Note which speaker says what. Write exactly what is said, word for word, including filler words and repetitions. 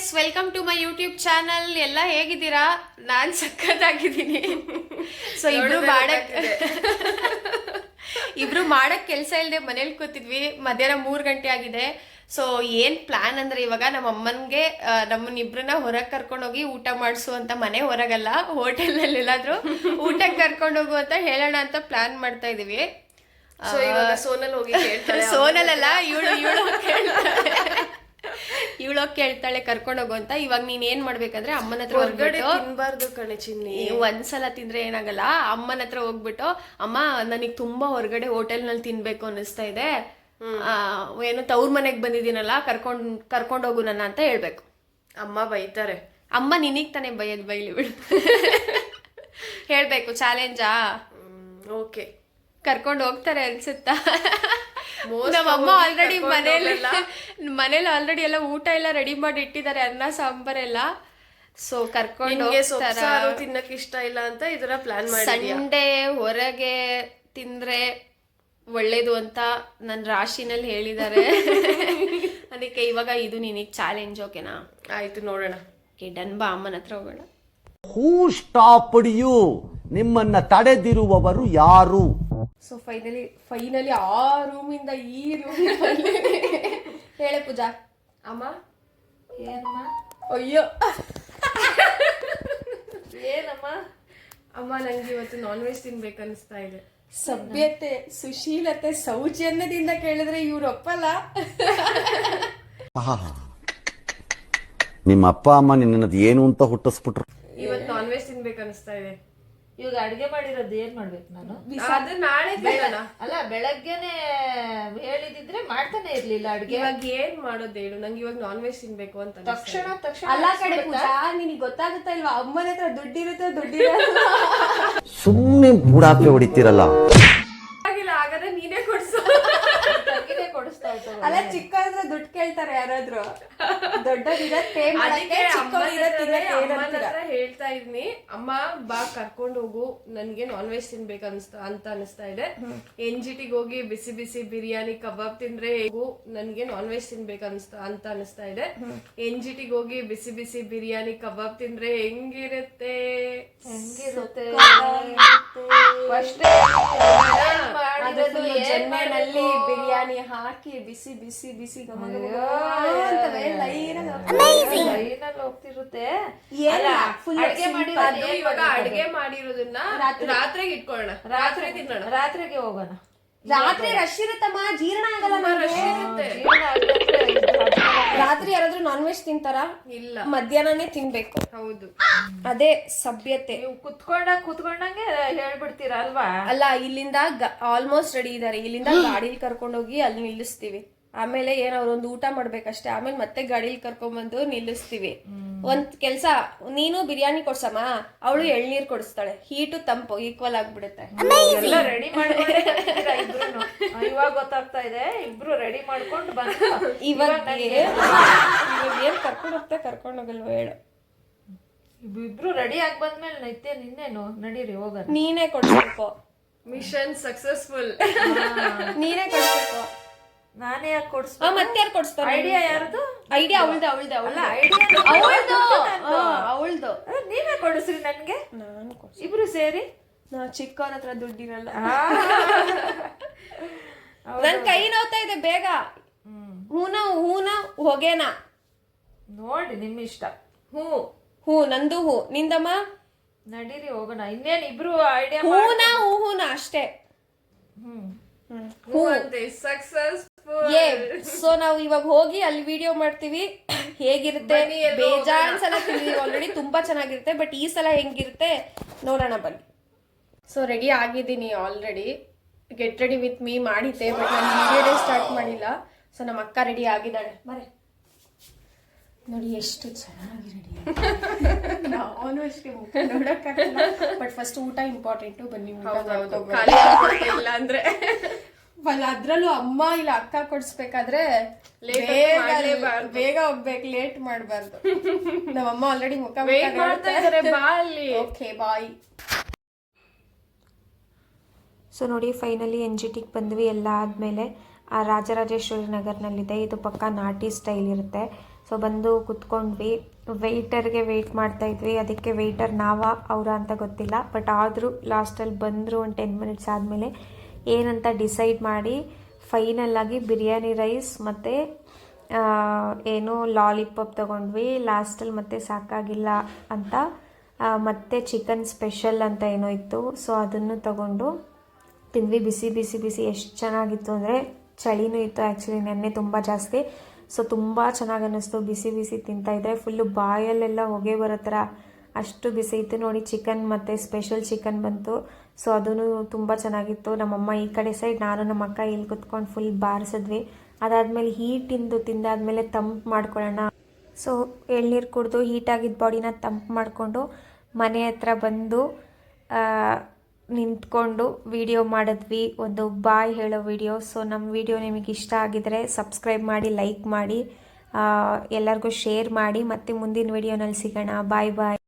Speaker 1: Guys, welcome to my YouTube channel. ಎಲ್ಲ ಹೇಗಿದ್ದೀರಾ? ನಾನು ಸಖತ್ತಾಗಿದ್ದೀನಿ. ಸೊ ಇಬ್ರು ಮಾಡಕ್ ಇಬ್ರು ಮಾಡಕ್ ಕೆಲಸ ಇಲ್ಲದೆ ಮನೇಲಿ ಕೂತಿದ್ವಿ. ಮಧ್ಯಾಹ್ನ ಮೂರು ಗಂಟೆ ಆಗಿದೆ. ಸೊ ಏನ್ ಪ್ಲಾನ್ ಅಂದ್ರೆ, ಇವಾಗ ನಮ್ಮ ಅಮ್ಮನ್ಗೆ ನಮ್ಮನ್ನಿಬ್ರನ್ನ ಹೊರಗೆ ಕರ್ಕೊಂಡೋಗಿ ಊಟ ಮಾಡಿಸು ಅಂತ, ಮನೆ ಹೊರಗಲ್ಲ ಹೋಟೆಲ್ನಲ್ಲಿ ಎಲ್ಲಾದ್ರೂ ಊಟಕ್ಕೆ ಕರ್ಕೊಂಡು ಹೋಗು ಅಂತ ಹೇಳೋಣ ಅಂತ ಪ್ಲಾನ್ ಮಾಡ್ತಾ ಇದೀವಿ.
Speaker 2: ಸೊ ಇವಾಗ ಸೋನಲ್ ಹೋಗಿ
Speaker 1: ಸೋನಲ್ ಅಲ್ಲ, ಇವಳು ಇವಳು ಇವಳೋಗಿ ಕೇಳ್ತಾಳೆ ಕರ್ಕೊಂಡೋಗು ಅಂತ. ಇವಾಗ ನೀನ್ ಏನ್ ಮಾಡ್ಬೇಕಂದ್ರೆ ಅಮ್ಮನ ಹತ್ರ
Speaker 2: ಹೊರಗಡೆ ತಿನ್ಬಾರ್ದು ಕಣೆ ಚಿನ್ನಿ.
Speaker 1: ಒಂದ್ಸಲ ತಿಂದ್ರೆ ಏನಾಗಲ್ಲ. ಅಮ್ಮನ ಹತ್ರ ಹೋಗ್ಬಿಟ್ಟು, ಅಮ್ಮ ನನಗ್ ತುಂಬಾ ಹೊರಗಡೆ ಹೋಟೆಲ್ ನಲ್ಲಿ ತಿನ್ಬೇಕು ಅನ್ನಿಸ್ತಾ ಇದೆ, ಏನು ತವ್ರ ಮನೆಗ್ ಬಂದಿದ್ದೀನಲ್ಲ, ಕರ್ಕೊಂಡ್ ಕರ್ಕೊಂಡ್ ಹೋಗು ನನ್ನ ಅಂತ ಹೇಳ್ಬೇಕು.
Speaker 2: ಅಮ್ಮ ಬೈತಾರೆ.
Speaker 1: ಅಮ್ಮ ನಿನಗ್ ತಾನೇ ಬೈಯದ್, ಬೈಲಿ ಬಿಡು. ಹೇಳ್ಬೇಕು, ಚಾಲೆಂಜಾ?
Speaker 2: ಓಕೆ,
Speaker 1: ಕರ್ಕೊಂಡು ಹೋಗ್ತಾರೆ ಅನ್ಸುತ್ತಾ? ನಮ್ಮಮ್ಮ ಆಲ್ರೆಡಿ ಮನೇಲಿ ಮನೇಲಿ ಆಲ್ರೆಡಿ ಎಲ್ಲ ಊಟ ಎಲ್ಲ ರೆಡಿ ಮಾಡಿ ಇಟ್ಟಿದ್ದಾರೆ, ಅನ್ನ ಸಾಂಬಾರೆಲ್ಲ. ಸೊ ಕರ್ಕೊಂಡು
Speaker 2: ತಿನ್ನಕ್ ಇಷ್ಟ ಇಲ್ಲ ಅಂತ ಇದರ ಪ್ಲಾನ್ ಮಾಡಿ,
Speaker 1: ಸಂಡೇ ಹೊರಗೆ ತಿಂದ್ರೆ ಒಳ್ಳೇದು ಅಂತ ನನ್ನ ರಾಶಿನಲ್ಲಿ ಹೇಳಿದ್ದಾರೆ. ಅದಕ್ಕೆ ಇವಾಗ ಇದು ನಿನಗೆ ಚಾಲೆಂಜ್. ಓಕೆನಾ?
Speaker 2: ಆಯ್ತು, ನೋಡೋಣ.
Speaker 1: ಓಕೆ ಡನ್, ಬಾ ಅಮ್ಮನ ಹತ್ರ ಹೋಗೋಣ.
Speaker 3: Who stopped you? ನಿಮ್ಮನ್ನ ತಡೆದಿರುವವರು ಯಾರು?
Speaker 1: ಸೊ ಫೈನಲಿ ಫೈನಲಿ ಆ ರೂಮಿಂದ ಈ ರೂಮ್ ಹೇಳೆ ಪೂಜಾ.
Speaker 2: ಅಮ್ಮ
Speaker 1: ಏನಮ್ಮ? ಅಯ್ಯೋ
Speaker 2: ಏನಮ್ಮ? ಅಮ್ಮ ನಂಗೆ ಇವತ್ತು ನಾನ್ ವೆಜ್ ತಿನ್ಬೇಕು ಅನಿಸ್ತಾ ಇದೆ.
Speaker 1: ಸಭ್ಯತೆ, ಸುಶೀಲತೆ, ಸೌಜನ್ಯದಿಂದ ಕೇಳಿದ್ರೆ ಇವ್ರು ಒಪ್ಪಲ್ಲ.
Speaker 3: ನಿಮ್ಮ ಅಪ್ಪ ಅಮ್ಮ ನಿನ್ನದು ಏನು ಅಂತ ಹುಟ್ಟಿಸ್ಬಿಟ್ರು.
Speaker 2: ಇವತ್ತು ನಾನ್ ವೆಜ್ ತಿನ್ಬೇಕು ಅನಿಸ್ತಾ ಇದೆ.
Speaker 4: ಇವಾಗ ಅಡಿಗೆ ಮಾಡಿರೋದು ಏನ್ ಮಾಡ್ಬೇಕು ನಾನು?
Speaker 2: ಅದು ನಾಳೆ ಬೇಡಣ.
Speaker 4: ಅಲ್ಲ, ಬೆಳಗ್ಗೆನೆ ಹೇಳಿದಿದ್ರೆ ಮಾಡ್ತಾನೆ ಇರ್ಲಿಲ್ಲ ಅಡಿಗೆ.
Speaker 2: ಇವಾಗ ಏನ್ ಮಾಡೋದು ಹೇಳು, ನಂಗೆ ಇವಾಗ ನಾನ್ ವೆಜ್ ತಿನ್ಬೇಕು ಅಂತ
Speaker 4: ತಕ್ಷಣ ತಕ್ಷಣ
Speaker 1: ಅಲ್ಲ ಕಡೆ ಪೂಜಾ, ನಿನಗೆ ಗೊತ್ತಾಗುತ್ತಾ ಇಲ್ವಾ? ಅಮ್ಮನ ಹತ್ರ ದುಡ್ಡಿರುತ್ತೆ, ದುಡ್ಡಿರಲ್ಲ.
Speaker 3: ಸುಮ್ಮನೆ ಬುಡಾಪೆ ಹೊಡಿತೀರಲ್ಲ.
Speaker 2: ಆಗಿಲ್ಲ, ಹಾಗಾದ್ರೆ ನೀನೇ ಕೊಡ್ಸು.
Speaker 4: ತಂಗಿನೇ ಕೊಡಿಸ್ತಾ ಇತ್ತು.
Speaker 1: ಅಲ್ಲ, ಚಿಕ್ಕವ್ರ ದುಡ್ಡು ಕೇಳ್ತಾರೆ ಯಾರಾದ್ರೂ, ದೊಡ್ಡದಿರತ್ ಪೇ ಮಾಡಕ್ಕೆ.
Speaker 2: ಹೇಳ್ತಾ ಇದೀನಿ, ಅಮ್ಮ ಬಾ ಕರ್ಕೊಂಡು ಹೋಗು, ನನ್ಗೆ ನಾನ್ ವೆಜ್ ತಿನ್ಬೇಕು ಅನ್ಸ್ತಾ ಅಂತ ಅನಿಸ್ತಾ ಇದೆ. ಎನ್ ಜಿ ಟಿಗೆ ಹೋಗಿ ಬಿಸಿ ಬಿಸಿ ಬಿರಿಯಾನಿ ಕಬಾಬ್ ತಿಂದ್ರೆ ಹೇಗು, ನನ್ಗೆ ನಾನ್ ವೆಜ್ ತಿನ್ಬೇಕು ಅನ್ಸ್ತಾ ಅಂತ ಅನಿಸ್ತಾ ಇದೆ. ಎನ್ ಜಿ ಟಿಗೆ ಹೋಗಿ ಬಿಸಿ ಬಿಸಿ ಬಿರಿಯಾನಿ ಕಬಾಬ್ ತಿಂದ್ರೆ ಹೆಂಗಿರುತ್ತೆ
Speaker 4: ಹೆಂಗಿರುತ್ತೆ
Speaker 1: ಜನ್ನಲ್ಲಿ ಬಿರಿಯಾನಿ ಹಾಕಿ ಬಿಸಿ ಬಿಸಿ ಬಿಸಿ
Speaker 4: ಹೋಗ್ತಿರುತ್ತೆ.
Speaker 2: ಅಡಿಗೆ ಮಾಡಿರೋದು ಇವಾಗ ಅಡಿಗೆ ಮಾಡಿರೋದನ್ನ ರಾತ್ರಿಗೆ ಇಟ್ಕೊಳ್ಳೋಣ, ರಾತ್ರಿ ತಿನ್ನೋಣ,
Speaker 4: ರಾತ್ರಿಗೆ ಹೋಗೋಣ.
Speaker 1: ರಾತ್ರಿ ರಶ್ ಇರುತ್ತಮ್ಮ, ಜೀರ್ಣ ಆಗಲ್ಲ.
Speaker 2: ರಶ್ ಇರುತ್ತೆ.
Speaker 1: ರಾತ್ರಿ ಯಾರಾದ್ರೂ ನಾನ್ ವೆಜ್ ತಿಂತಾರ?
Speaker 2: ಇಲ್ಲ,
Speaker 1: ಮಧ್ಯಾಹ್ನನೇ ತಿನ್ಬೇಕು.
Speaker 2: ಹೌದು,
Speaker 1: ಅದೇ ಸಭ್ಯತೆ.
Speaker 4: ನೀವು ಕುತ್ಕೊಂಡಾಗ ಕುತ್ಕೊಂಡಂಗೆ ಹೇಳ್ಬಿಡ್ತೀರಾ ಅಲ್ವಾ?
Speaker 1: ಅಲ್ಲ, ಇಲ್ಲಿಂದ ಆಲ್ಮೋಸ್ಟ್ ರೆಡಿ ಇದಾರೆ, ಇಲ್ಲಿಂದ ಗಾಡಿಲಿ ಕರ್ಕೊಂಡೋಗಿ ಅಲ್ಲಿ ನಿಲ್ಲಿಸ್ತೀವಿ. ಆಮೇಲೆ ಏನ್ ಅವ್ರೊಂದು ಊಟ ಮಾಡ್ಬೇಕಷ್ಟೇ, ಆಮೇಲೆ ಮತ್ತೆ ಗಾಡಿಲಿ ಕರ್ಕೊಂಡ್ಬಂದು ನಿಲ್ಲಿಸ್ತೀವಿ. ಒಂದ್ ಕೆಲ್ಸ, ನೀನು ಬಿರಿಯಾನಿ ಕೊಡ್ಸಮ್ಮ, ಅವಳು ಎಳ್ನೀರ್ ಕೊಡಿಸ್ತಾಳೆ. ಹೀಟು ತಂಪು ಈಕ್ವಲ್ ಆಗ್ಬಿಡುತ್ತೆ.
Speaker 4: ಎಲ್ಲ ರೆಡಿ ಮಾಡ್ಕೊಂಡಿದ್ದೀರಾ ಇಬ್ರು? ಇವಾಗ ಗೊತ್ತಾಗ್ತಾ ಇದೆ, ಇಬ್ರು ರೆಡಿ ಮಾಡ್ಕೊಂಡು ಬಂದು
Speaker 1: ಇವಾಗ ಏನ್ ಕರ್ಕೊಂಡ್ ಹೋಗ್ತಾ ಕರ್ಕೊಂಡ್ ಹೋಗಲ್ವ ಹೇಳು?
Speaker 4: ಇಬ್ರು ರೆಡಿ ಆಗಿ ಬಂದ್ಮೇಲೆ ನೈತೆ ನಿನ್ನೇನು ನಡೀರಿ ಹೋಗೋಣ.
Speaker 1: ನೀನೇ ಕೊಡ್ಬೇಕು.
Speaker 2: Mission successful.
Speaker 1: ನೀನೇ ಕೊಡ್ಬೇಕು.
Speaker 4: ನಾನೇ ಯಾಕೆ ಕೊಡ್ಸ್?
Speaker 1: ಮತ್ತೆ ಯಾರು ಕೊಡ್ಸ್ತಾರೆ?
Speaker 4: ಐಡಿಯಾ ಯಾರದು?
Speaker 1: ಐಡಿಯಾ ಅವಳ್ದು ಅವಳ್ದು ಅವಳ್ದು
Speaker 4: ಐಡಿಯಾ
Speaker 1: ಅವಳ್ದು.
Speaker 4: ನೀವೇ ಕೊಡಿಸ್ರಿ ನನ್ಗೆ.
Speaker 1: ನಾನು
Speaker 4: ಇಬ್ರು ಸೇರಿ.
Speaker 1: ನಾ ಚಿಕ್ಕವ್ರ ಹತ್ರ ದುಡ್ಡಿರಲ್ಲ. ನನ್ ಕೈ ನೋವ್ತಾ ಇದೆ, ಬೇಗ ಹೂನ ಹೂನ ಹೊಗೆನ
Speaker 4: ನೋಡಿ ನಿಮ್ ಇಷ್ಟ.
Speaker 1: ಹೂ ಹೂ ನಂದು ಹೂ, ನಿಂದಮ್ಮ?
Speaker 4: ನಡೀರಿ ಹೋಗೋಣ. ಇನ್ನೇನ್ ಇಬ್ರು ಐಡಿಯಾ
Speaker 1: ಹೂನ ಹೂ ಹೂನ ಅಷ್ಟೇ.
Speaker 4: ಹ್ಮ್
Speaker 2: ಸಕ್ಸಸ್ಫುಲ್.
Speaker 1: ಸೊ ನಾವು ಇವಾಗ ಹೋಗಿ ಅಲ್ಲಿ ವಿಡಿಯೋ ಮಾಡ್ತೀವಿ. ಹೇಗಿರುತ್ತೆ? ಬೇಜಾನ್ ಸಲ ತಿಂದಿದ್ದೀವಿ ಆಲ್ರೆಡಿ, ತುಂಬಾ ಚೆನ್ನಾಗಿರುತ್ತೆ. ಬಟ್ ಈ ಸಲ ಹೆಂಗಿರುತ್ತೆ ನೋಡೋಣ, ಬನ್ನಿ. ಸೊ ರೆಡಿ ಆಗಿದ್ದೀನಿ already. Get ready with me ಮಾಡಿದ್ದೆ, ಬಟ್ ನಾನು ವಿಡಿಯೋ ಸ್ಟಾರ್ಟ್ ಮಾಡಿಲ್ಲ. ಸೊ ನಮ್ಮ ಅಕ್ಕ ರೆಡಿ ಆಗಿದ್ದಾಳೆ. ಬರೇ ನೋಡಿ ಎಷ್ಟು ಚೆನ್ನಾಗಿ ರೆಡಿ. ನಾನು ಅಷ್ಟೇ ಮುಖ ನೋಡಕ್ಕಾಗಲ್ಲ, ಬಟ್ ಫಸ್ಟ್ ಊಟ ಇಂಪಾರ್ಟೆಂಟು. ಬನ್ನಿ,
Speaker 2: ಇಲ್ಲ ಅಂದ್ರೆ
Speaker 1: ಅದ್ರಲ್ಲೂ ಅಮ್ಮ ಇಲ್ಲ ಅಕ್ಕ ಕೊಡ್ಸ್ಬೇಕಾದ್ರೆ ಬೇಗ ಹೋಗ್ಬೇಕು, ಲೇಟ್ ಮಾಡ್ಬಾರ್ದು. ನಮ್ಮಮ್ಮ ಆಲ್ರೆಡಿ ಮುಖ
Speaker 2: ಮಾಡ್ತಾ ಇದಾರೆ. ಬಾಲಿ.
Speaker 1: Okay bye.
Speaker 5: ಸೊ ನೋಡಿ ಫೈನಲಿ ಎನ್ ಜಿ ಟಿಗೆ ಬಂದ್ವಿ. ಎಲ್ಲ ಆದಮೇಲೆ ರಾಜರಾಜೇಶ್ವರಿ ನಗರ್ನಲ್ಲಿದೆ. ಇದು ಪಕ್ಕ ನಾಟಿ ಸ್ಟೈಲ್ ಇರುತ್ತೆ. ಸೊ ಬಂದು ಕುತ್ಕೊಂಡ್ವಿ. ವೆಯ್ಟರ್ಗೆ ವೆಯ್ಟ್ ಮಾಡ್ತಾಯಿದ್ವಿ, ಅದಕ್ಕೆ ವೆಯ್ಟರ್ ನಾವ ಅವರ ಅಂತ ಗೊತ್ತಿಲ್ಲ. ಬಟ್ ಆದರೂ ಲಾಸ್ಟಲ್ಲಿ ಬಂದರು ಒಂದು ಟೆನ್ ಮಿನಿಟ್ಸ್ ಆದಮೇಲೆ ಏನಂತ ಡಿಸೈಡ್ ಮಾಡಿ ಫೈನಲ್ಲಾಗಿ ಬಿರಿಯಾನಿ ರೈಸ್ ಮತ್ತು ಏನು ಲಾಲಿಪಾಪ್ ತೊಗೊಂಡ್ವಿ. ಲಾಸ್ಟಲ್ಲಿ ಮತ್ತೆ ಸಾಕಾಗಿಲ್ಲ ಅಂತ ಮತ್ತು ಚಿಕನ್ ಸ್ಪೆಷಲ್ ಅಂತ ಏನೋ ಇತ್ತು, ಸೊ ಅದನ್ನು ತಗೊಂಡು ತಿಂದ್ವಿ. ಬಿಸಿ ಬಿಸಿ ಬಿಸಿ ಎಷ್ಟು ಚೆನ್ನಾಗಿತ್ತು ಅಂದರೆ, ಚಳಿನೂ ಇತ್ತು ಆ್ಯಕ್ಚುಲಿ ನೆನ್ನೆ ತುಂಬ ಜಾಸ್ತಿ. ಸೊ ತುಂಬ ಚೆನ್ನಾಗಿ ಅನ್ನಿಸ್ತು ಬಿಸಿ ಬಿಸಿ ತಿಂತಾಯಿದ್ರೆ. ಫುಲ್ಲು ಬಾಯಲ್ಲೆಲ್ಲ ಹೊಗೆ ಬರೋ ಥರ ಅಷ್ಟು ಬಿಸಿ ಇತ್ತು. ನೋಡಿ ಚಿಕನ್ ಮತ್ತು ಸ್ಪೆಷಲ್ ಚಿಕನ್ ಬಂತು. ಸೊ ಅದೂ ತುಂಬ ಚೆನ್ನಾಗಿತ್ತು. ನಮ್ಮಮ್ಮ ಈ ಕಡೆ ಸೈಡ್, ನಾನು ನಮ್ಮ ಅಕ್ಕ ಇಲ್ಲಿ ಕುತ್ಕೊಂಡು ಫುಲ್ ಬಾರಿಸಿದ್ವಿ. ಅದಾದಮೇಲೆ ಹೀಟಿಂದು ತಿಂದಾದ್ಮೇಲೆ ತಂಪು ಮಾಡ್ಕೊಳ್ಳೋಣ. ಸೊ ಎಳ್ನೀರು ಕುಡಿದು ಹೀಟಾಗಿದ್ದ ಬಾಡಿನ ತಂಪು ಮಾಡಿಕೊಂಡು ಮನೆ ಹತ್ರ ಬಂದು ನಿಂತ್ಕೊಂಡು ವಿಡಿಯೋ ಮಾಡಿದ್ವಿ, ಒಂದು ಬಾಯ್ ಹೇಳೋ ವಿಡಿಯೋ. ಸೊ ನಮ್ಮ ವಿಡಿಯೋ ನಿಮಗೆ ಇಷ್ಟ ಆಗಿದರೆ ಸಬ್ಸ್ಕ್ರೈಬ್ ಮಾಡಿ, ಲೈಕ್ ಮಾಡಿ, ಎಲ್ಲರಿಗೂ ಶೇರ್ ಮಾಡಿ. ಮತ್ತು ಮುಂದಿನ ವಿಡಿಯೋನಲ್ಲಿ ಸಿಗೋಣ. ಬಾಯ್ ಬಾಯ್.